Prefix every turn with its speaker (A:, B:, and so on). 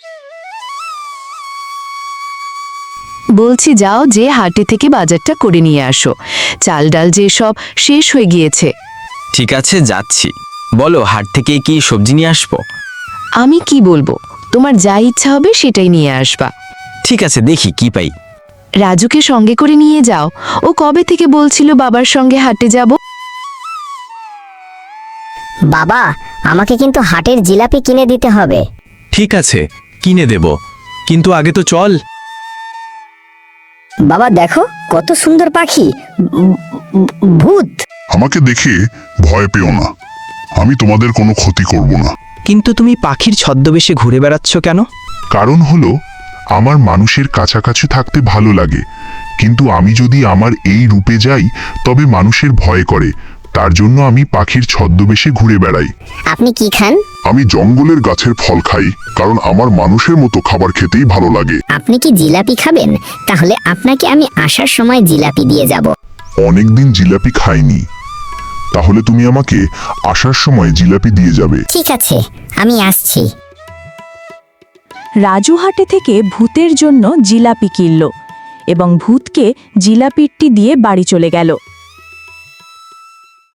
A: বলছি যাও, যে হাটে থেকে বাজারটা করে নিয়ে আসো। চাল ডাল যে সব শেষ হয়ে গিয়েছে।
B: ঠিক আছে, যাচ্ছি। বলো, হাট থেকে কি সবজি নিয়ে আসবো?
A: আমি কি বলবো, তোমার যা ইচ্ছা হবে সেটাই নিয়ে আসবা।
B: ঠিক আছে, দেখি কি পাই।
A: রাজুকে সঙ্গে করে নিয়ে যাও। ও কবে থেকে বলছিল বাবার সঙ্গে হাটে যাব।
C: বাবা, আমাকে কিন্তু হাটের জিলাপি কিনে দিতে হবে।
D: ঠিক আছে, কিনে দেব, কিন্তু আগে তো চল।
C: বাবা দেখো, কত সুন্দর পাখি। ভূত।
E: আমাকে দেখে ভয় পেও না, আমি তোমাদের কোনো ক্ষতি করব না।
D: কিন্তু তুমি পাখির ছদ্মবেশে ঘুরে বেড়াচ্ছ কেন?
E: কারণ হলো, আমার মানুষের কাছাকাছি থাকতে ভালো লাগে, কিন্তু আমি যদি আমার এই রূপে যাই তবে মানুষের ভয় করে। তার জন্য আমি পাখির ছদ্মবেশে ঘুরে বেড়াই।
C: আপনি কি খান?
E: আমি জঙ্গলের গাছের ফল খাই, কারণ আমার মানুষের মতো খাবার খেতেই ভালো লাগে।
C: আপনি কি জিলাপি খাবেন? তাহলে আপনাকে আমি আসার সময় জিলাপি দিয়ে যাব।
E: অনেকদিন জিলাপি খাইনি, তাহলে তুমি আমাকে আসার সময় জিলাপি দিয়ে যাবে।
C: ঠিক আছে, আমি আসছি।
F: রাজু হাটে থেকে ভূতের জন্য জিলাপি কিনল এবং ভূতকে জিলাপিটি দিয়ে বাড়ি চলে গেল।